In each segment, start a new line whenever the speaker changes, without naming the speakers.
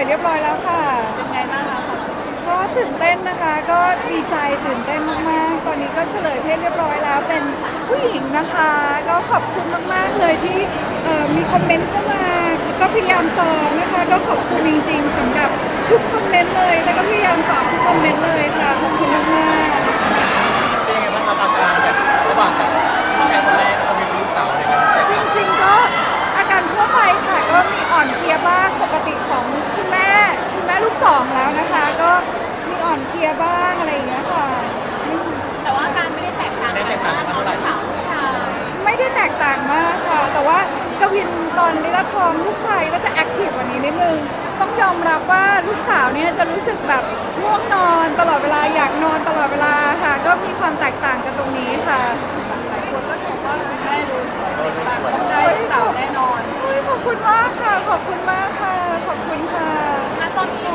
ยเรียบร้อยแล้วค่ะ
เป็นไงบ้างคะ
ก็ตื่นเต้นนะคะก็ดีใจตื่นเต้นมากๆตอนนี้ก็เฉลยเพศเรียบร้อยแล้วเป็นผู้หญิงนะคะก็ขอบคุณมากๆเลยที่มีคอมเมนต์เข้ามาก็พยายามตอบนะคะก็ขอบคุณจริงๆสำหรับทุกคอมเมนต์เลยแต่ก็พยายามตอบทุกคอมเมนต์เลยค่ะขอบคุณมากๆ
เป็นยังไงบ้างครับอาการแบบระหว่างแบบผู้ชายคนแรกแล้วก็มีลูกสาวอะไรกัน
จริงๆก็อาการทั่วไปค่ะก็มีอ่อนเพลียบ้างปกติของคุณแม่ลูกสองแล้วนะคะก็มีอ่อนเพลียบ้างอะไรอย่างเงี้ยค่ะ
แต่ว่าอาการไม่ได้แตกต่างจากตอนสาวผู้ชาย
ไม่ได้แตกต่างมากค่ะ แต่ว่ากวินตอนลิต้าท้องลูกชายก็จะแอคทีฟกว่านี้นิดนึงต้องยอมรับว่าลูกสาวเนี่ยจะรู้สึกแบบง่วงนอนตลอดเวลาอยากนอนตลอดเวลาค่ะก็มีความแตกต่างกันตรงนี้ค่ะ
หลายคนก็ชมว่าคุณแม่ดูสวยเป็นแบบต้องได้ลูกสาวแน่นอน
ขอบคุณมากค่ะขอบคุณมากค่ะขอบคุณค่ะ
ตอนนี้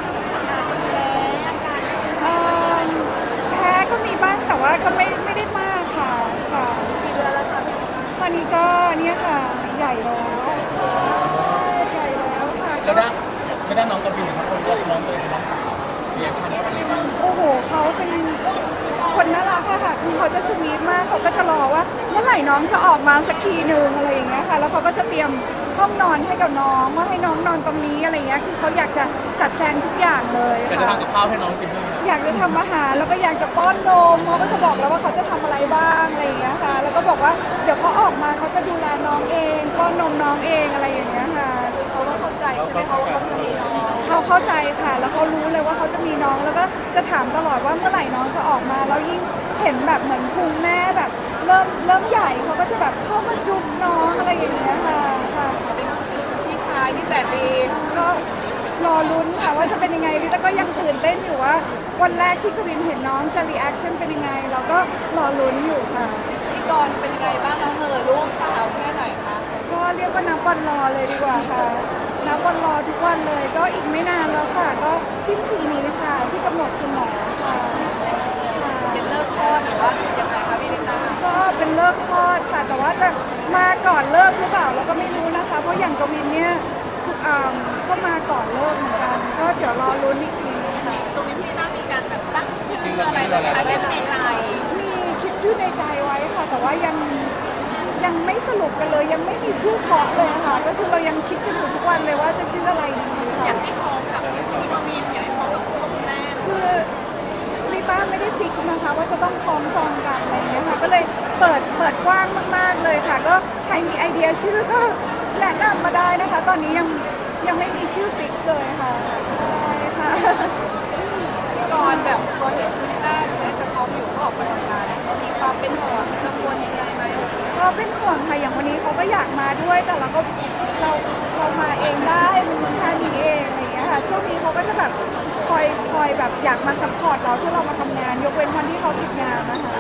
แพ้ก็มีบ้างแต่ว่าก็ไม่ได้มากค่ะ
กี่เดือนแล้วคะ
ตอนนี้ก็เนี่ยค่ะใหญ่แล้วใหญ่แล้วค่ะ
ไม่ได้น้องกบินครับคนน้องตัวเองเป็นน้องสาวเรียกชั่นเขาเป็นยังไง
โอ้โหเขาเป็นคนน่ารักค่ะคือเขาจะสวีทมากเขาก็จะรอว่าเมื่อไหร่น้องจะออกมาสักทีหนึ่งอะไรอย่างเงี้ยค่ะแล้วเขาก็จะเตรียมห้องนอนให้กับน้องว่าให้น้องนอนตรงนี้อะไรเงี้ยคือเขาอยากจะจัดแจงทุกอย่างเลย
ค่ะจะทำกับข้าวให้น้องกินด้วย
อยากจะทำอาหารแล้วก็อยากจะป้อนนมเขาก็จะบอกแล้วว่าเขาจะทำอะไรบ้างอะไรอย่างเงี้ยค่ะแล้วก็บอกว่าเดี๋ยวเขาออกมาเขาจะดูแลน้องเองป้อนนมน้องเองอะไรอย่างเงี้ยค่ะ
เขาก็เข้าใจใช่ไหมเขาว่าเขาจะมีน้อง
เขาเข้าใจค่ะแล้วเขารู้เลยว่าเขาจะมีน้องแล้วก็จะถามตลอดว่าเมื่อไหร่น้องจะออกมาแล้วยิ่งเห็นแบบเหมือนพุงแม่แบบเริ่มใหญ่เขาก็จะแบบเข้ามาจุ๊บน้องอะไรอย่างเงี้ยค่ะ
เป็นพี่ชายที่แสนดี
ก็รอลุ้นค่ะว่าจะเป็นยังไงลิต้าก็ยังตื่นเต้นอยู่ว่าวันแรกที่กวินเห็นน้องจะรีแอคชั่นเป็นยังไงเราก็รอลุ้นอยู่ค่ะ
พี่กรณ์เป็นไงบ้างคะลูกสาวแค่ไหนคะ
ก็เรียกว่านับวันรอเลยดีกว่าค่ะนับวันรอทุกวันเลยก็อีกไม่นานแล้วค่ะก็สิ้นปีนี้ค่ะที่กำหนดคุณหมอค่ะ
เป็นเลิกคลอดหรือว่ายังไงคะพี่ลิต้า
ก็เป็นเลิกคลอดค่ะแต่ว่าจะมาก่อนเลิกหรือเปล่าเราก็ไม่รู้นะคะเพราะอย่างกวินเนี่ยก็มาก่อนเลิกเหมือนกันก็เดี๋ยวรอลุ้นอีกทีค่ะ
ตรงนี้พี่ลิต้ามีการแบบตั้งชื่ออะไรแบบชื่อในใจ
มีคิดชื่อในใจไว้ค่ะแต่ว่ายังไม่สรุปกันเลยยังไม่มีชื่อเคาะเลยค่ะก็คือเรายังคิดกันอยู่ทุกวันเลยว่าจะชื่ออะไรดีค่ะ
อยากให้พร้อมกับพี่กวินอยากให้พร้อมกับคุณแม่
คือลิต้าไม่ได้ฟิกนะคะว่าจะต้องพร้อมจองกันอะไรอย่างเงี้ยค่ะก็เลยเปิดกว้างมากๆเลยค่ะก็ใครมีไอเดียชื่อก็แนะนำมาได้นะคะตอนนี้ยังไม่มีชื่อฟิกเลยค่ะใช่ค่ะ
ก่อนแบบพอเห็นคุณลิต้าเนี่ยจะพร้อมอยู่ก็ออกกำลังกายมีความเป็นห่วงกังวลยังไงไหม
ก็เป็นห่วงค่ะอย่างวันนี้เขาก็อยากมาด้วยแต่เรามาเองได้แค่นี้เองอะไรอย่างเงี้ยค่ะช่วงนี้เขาก็จะแบบคอยแบบอยากมาซัพพอร์ตเราที่เรามาทำงานยกเว้นวันที่เขาติดงานนะคะ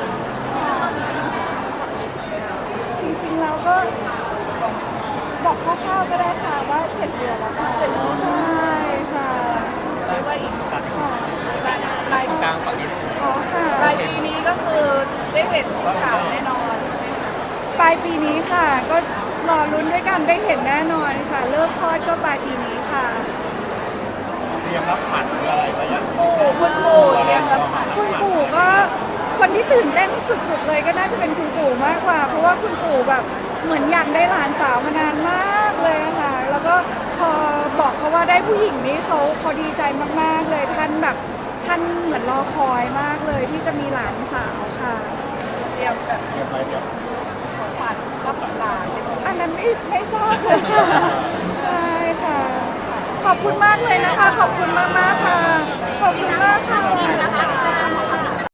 จริงๆเราก็บอกคร่าวๆก็ได้ค่ะว่า7 เดือนแล้วค่ะใช่ค่ะ
เรียกว่าอีก
ค่ะ
ปลาย
กลางฝั่งนี้
ค่ะ
ปลายปีนี้ก็คือได้เห็นข่าวแน่นอนใช่ไหมคะ
ปลายปีนี้ค่ะก็รอลุ้นด้วยกันได้เห็นแน่นอนค่ะเลิกคลอดก็ปลายปีนี้ค่ะ
เตรียมรับขวัญอะไรไว้ยัง
คุณปู่เตรียมรับขวัญ
คุณปู่ก็คนที่ตื่นเต้นสุดๆเลยก็น่าจะเป็นคุณปู่มากกว่าเพราะว่าคุณปู่แบบเหมือนอยากได้หลานสาวมานานมากเลยค่ะแล้วก็พอบอกเขาว่าได้ผู้หญิงนี้เขาดีใจมากๆเลยท่านเหมือนรอคอยมากเลยที่จะมีหลานสาวค่ะ
เตรียมแบบของขวัญรับหลาน
อันนั้นไม่ทราบเลยค่ะใช่ค่ะขอบคุณมากเลยนะคะขอบคุณมากๆค่ะขอบคุณมากค่ะ